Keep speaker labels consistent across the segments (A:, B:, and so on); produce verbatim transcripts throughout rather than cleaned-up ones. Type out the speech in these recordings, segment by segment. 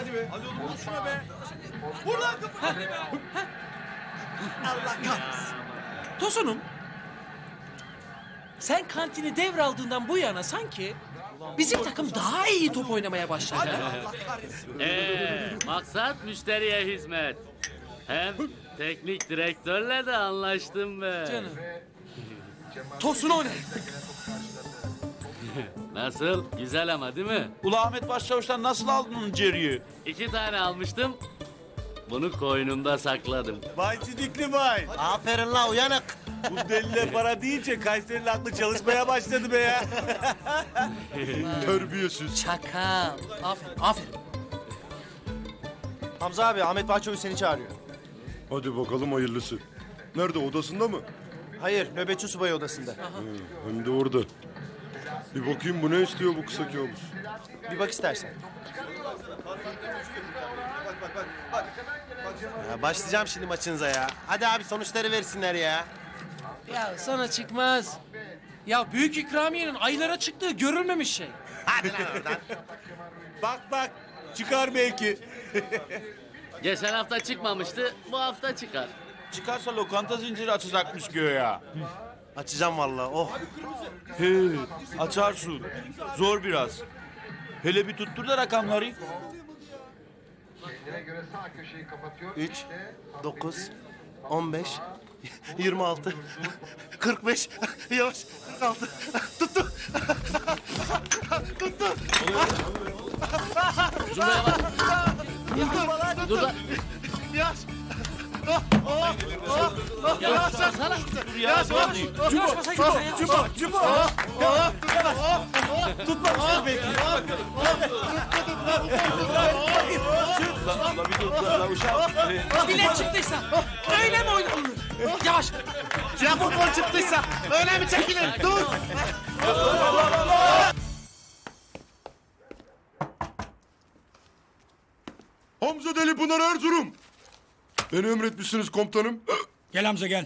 A: Hadi be. Hadi oğlum vur şuna be. Vur lan kapı.
B: Allah kahretsin.
C: Tosunum, sen kantini devraldığından bu yana sanki bizim takım daha iyi top oynamaya başladı. ha?
B: Allah kahretsin.
D: Ee, maksat müşteriye hizmet. Hem teknik direktörle de anlaştım be.
C: Canım. Tosun o ne?
D: Nasıl? Güzel ama değil mi?
A: Ula Ahmet Başçavuş'tan nasıl aldın onu Jerry'i?
D: İki tane almıştım. Bunu koynumda sakladım.
E: Vay sidikli vay.
B: Aferin la uyanık.
E: Bu deliler para deyince Kayseri'nin aklı çalışmaya başladı be ya.
F: Terbiyesiz.
C: Çakal. Aferin, aferin.
B: Hamza abi Ahmet Bahçavuş seni çağırıyor.
F: Hadi bakalım hayırlısı. Nerede, odasında mı?
B: Hayır nöbetçi subay odasında.
F: Hem de orada. Bir bakayım bu ne istiyor bu kısa kabus.
B: Bir bak istersen. Ya başlayacağım şimdi maçınıza ya. Hadi abi sonuçları versinler ya.
C: Ya sana çıkmaz. Ya büyük ikramiyenin aylara çıktığı görülmemiş şey.
B: Hadi lan oradan.
E: Bak bak çıkar belki.
D: Geçen hafta çıkmamıştı, bu hafta çıkar.
A: Çıkarsa lokanta zinciri açacakmış göğe.
B: Açacağım vallahi. Oh.
A: He, açarsın. Zor biraz. Hele bir tuttur da rakamları.
B: Üç, dokuz, on beş, yirmi altı, kırk beş, yavaş, kırk altı. Tuttu. Tuttu.
D: Şuraya bak. Dur lan.
B: Yavaş.
D: Yavaş baksana.
A: Dur ya. Zor değil.
C: Cubo, cubo, cubo.
B: Tutmamıştır belki.
A: Ulan bir dur lan uşağım.
C: Bilet çıktıysa öyle mi oynanır? Yavaş.
B: Ya futbol çıktıysa öyle mi çekilir? Dur.
F: Hamza Delipınar Erzurum. Beni emretmişsiniz komutanım.
G: Gel Hamza gel.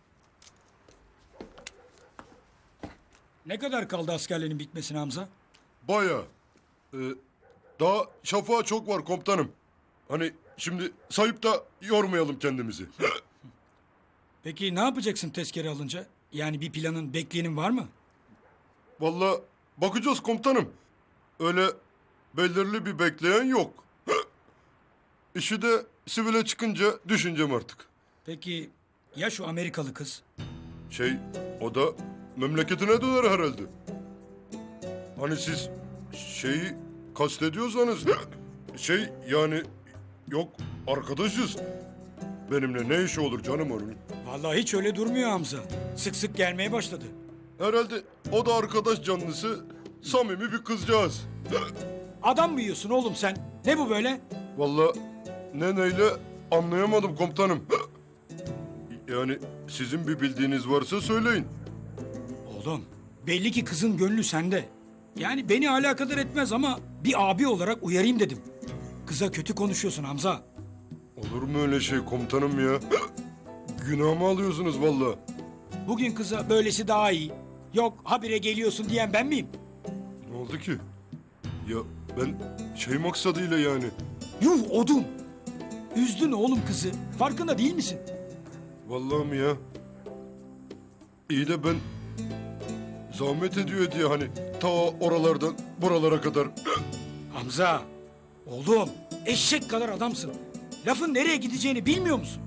G: Ne kadar kaldı askerlerin bitmesine Hamza?
F: Baya. Ee, daha şafağa çok var komutanım. Hani şimdi sayıp da yormayalım kendimizi.
G: Peki ne yapacaksın tezkere alınca? Yani bir planın, bekleyenin var mı?
F: Vallahi bakacağız komutanım. Öyle belirli bir bekleyen yok. İşi de sivile çıkınca düşüneceğim artık.
G: Peki ya şu Amerikalı kız?
F: Şey, o da memleketine döner herhalde. Hani siz şeyi kastediyorsanız şey yani yok arkadaşız. Benimle ne işi olur canım onun?
G: Vallahi hiç öyle durmuyor Hamza. Sık sık gelmeye başladı.
F: Herhalde o da arkadaş canlısı, samimi bir kızcağız.
G: Adam mı yiyorsun oğlum sen? Ne bu böyle?
F: Vallahi ne neyle anlayamadım komutanım. Yani sizin bir bildiğiniz varsa söyleyin.
G: Oğlum belli ki kızın gönlü sende. Yani beni alakadar etmez ama bir abi olarak uyarayım dedim. Kıza kötü konuşuyorsun Hamza.
F: Olur mu öyle şey komutanım ya? Günahımı alıyorsunuz vallahi.
G: Bugün kıza böylesi daha iyi. Yok habire geliyorsun diyen ben miyim?
F: Ne oldu ki? Ya ben şey maksadıyla yani.
G: Yuh odun! Üzdün oğlum kızı. Farkında değil misin?
F: Vallahi mi ya? İyi de ben zahmet ediyor diye hani ta oralardan buralara kadar.
G: Hamza! Oğlum eşek kadar adamsın. Lafın nereye gideceğini bilmiyor musun?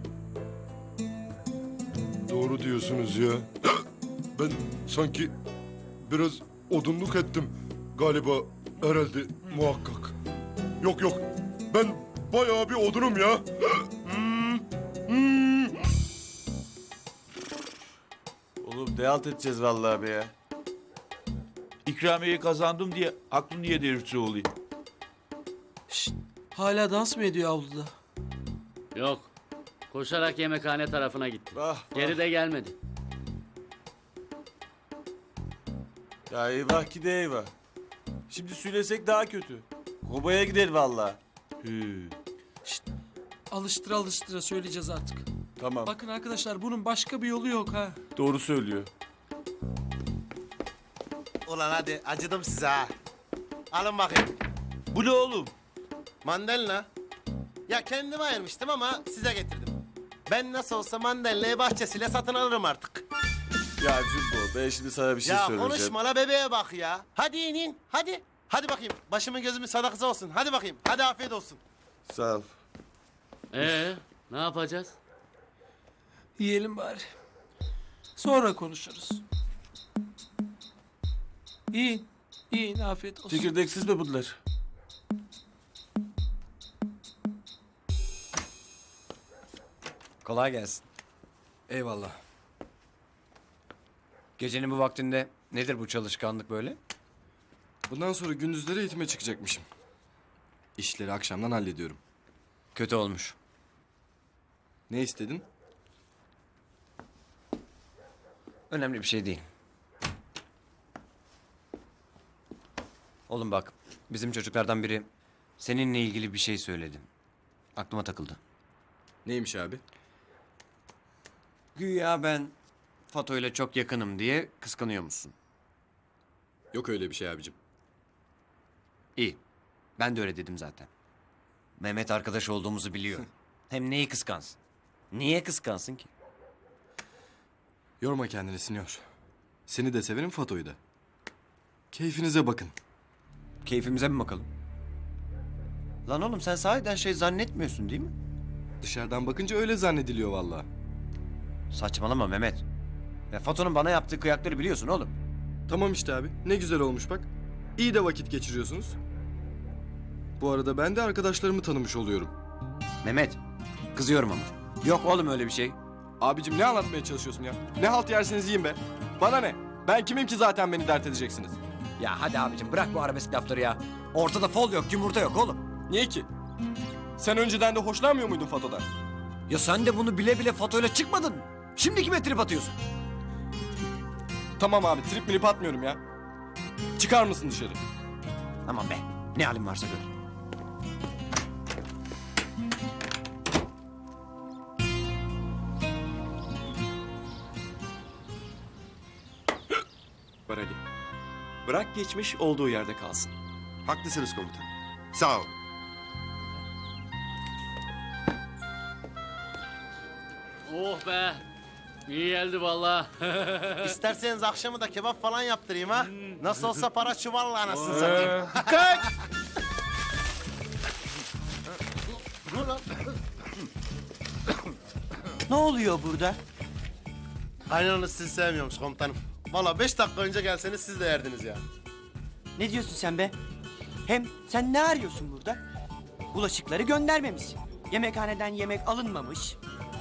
F: Doğru diyorsunuz ya. Ben sanki biraz odunluk ettim galiba herhalde muhakkak. Yok yok ben bayağı bir odunum ya.
E: Oğlum deyalt edeceğiz vallahi be ya.
A: İkramiyeyi kazandım diye aklını yedirirse olayım.
C: Hala dans mı ediyor avluda?
D: Yok. Koşarak yemekhane tarafına gitti. Geri de gelmedi.
E: Ya eyvah ki de eyvah. Şimdi söylesek daha kötü. Kobaya gider vallahi.
C: Alıştıra alıştıra söyleyeceğiz artık.
E: Tamam.
C: Bakın arkadaşlar bunun başka bir yolu yok ha.
E: Doğru söylüyor.
B: Ulan hadi acıdım size ha. Alın bakayım.
A: Bu ne oğlum?
B: Mandalina. Ya kendime ayırmıştım ama size getirdim. Ben nasıl olsa mandalinayı bahçesiyle satın alırım artık.
E: Ya Cumbo ben şimdi sana bir şey
B: Ya
E: söyleyeceğim.
B: konuşma la bebeğe bak ya. Hadi in in hadi. Hadi bakayım başımın gözümün sadakası olsun. Hadi bakayım hadi afiyet olsun.
E: Sağ ol.
D: Ee, ne yapacağız?
C: Yiyelim bari. Sonra konuşuruz. İyi. İyi afiyet olsun.
E: Çekirdeksiz mi bunlar?
H: Kolay gelsin.
I: Eyvallah.
H: Gecenin bu vaktinde nedir bu çalışkanlık böyle?
I: Bundan sonra gündüzleri eğitime çıkacakmışım. İşleri akşamdan hallediyorum.
H: Kötü olmuş.
I: Ne istedin?
H: Önemli bir şey değil. Oğlum bak, bizim çocuklardan biri seninle ilgili bir şey söyledi. Aklıma takıldı.
I: Neymiş abi?
H: Güya ben Fato ile çok yakınım diye kıskanıyor musun?
I: Yok öyle bir şey abicim.
H: İyi. Ben de öyle dedim zaten. Mehmet arkadaş olduğumuzu biliyor. Hem neyi kıskansın? Niye kıskansın ki?
I: Yorma kendini Sinyor. Seni de severim, Fato'yu da. Keyfinize bakın.
H: Keyfimize mi bakalım? Lan oğlum sen sahiden şey zannetmiyorsun değil mi?
I: Dışarıdan bakınca öyle zannediliyor vallahi.
H: Saçmalama Mehmet. Ya Fato'nun bana yaptığı kıyakları biliyorsun oğlum.
I: Tamam işte abi. Ne güzel olmuş bak. İyi de vakit geçiriyorsunuz. Bu arada ben de arkadaşlarımı tanımış oluyorum.
H: Mehmet, kızıyorum ama. Yok oğlum öyle bir şey.
I: Abicim ne anlatmaya çalışıyorsun ya? Ne halt yerseniz yiyin be. Bana ne? Ben kimim ki zaten beni dert edeceksiniz?
H: Ya hadi abicim bırak bu arabesk lafları ya. Ortada fol yok, yumurta yok oğlum.
I: Niye ki? Sen önceden de hoşlanmıyor muydun Fato'dan?
H: Ya sen de bunu bile bile Fato'yla çıkmadın mı? Şimdi kime trip atıyorsun?
I: Tamam abi, trip milip atmıyorum ya. Çıkar mısın dışarı?
H: Aman be, ne halin varsa gör.
J: Var Ali. Bırak geçmiş olduğu yerde kalsın.
F: Haklısınız komutan. Sağ ol.
D: Oh be. İyi geldi vallahi.
B: İsterseniz akşamı da kebap falan yaptırayım ha. Nasıl olsa para çuvalla anasını satayım.
A: Ne oluyor burada?
B: Kaynananız sizi sevmiyormuş komutanım. Valla beş dakika önce gelseniz siz de yerdiniz ya.
A: Ne diyorsun sen be? Hem sen ne arıyorsun burada? Bulaşıkları göndermemiş. Yemekhaneden yemek alınmamış.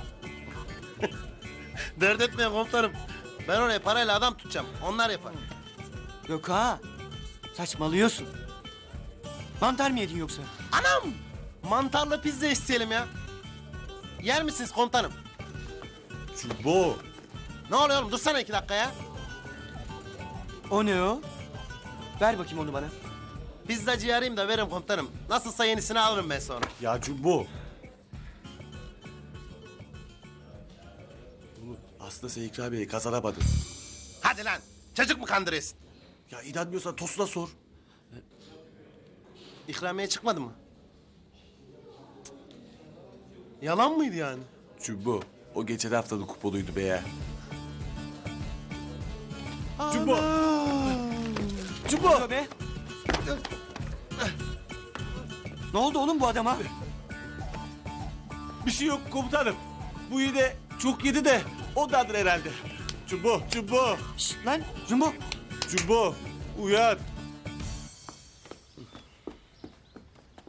B: Dert etmeyin komutanım. Ben oraya parayla adam tutacağım. Onlar yapar.
A: Yok ha. Saçmalıyorsun. Mantar mı yedin yoksa?
B: Anam! Mantarlı pizza isteyelim ya. Yer misiniz komutanım?
E: Cumbo.
B: Ne oluyor oğlum? Dursana iki dakika ya.
A: O ne o? Ver bakayım onu bana.
B: Pizzacıyı arayayım da veririm komutanım. Nasılsa yenisini alırım ben sonra.
E: Ya Cumbo. Bunu aslında sen ikramiyeyi kazanamadın.
B: Hadi lan. Çocuk mu kandırıyorsun?
E: Ya inanmıyorsan Tosun'a sor.
B: İkramiye çıkmadı mı? Cık. Yalan mıydı yani?
E: Cumbo. O geçen haftanın kuponuydu be ya. Cumbo. Cumbo.
A: Ne oluyor be? Ne oldu oğlum bu adama?
E: Bir şey yok komutanım. Bu yine çok yedi de ondandır herhalde. Cumbo, Cumbo,
A: Şşt lan Jumbo.
E: Cumbo. Uyan.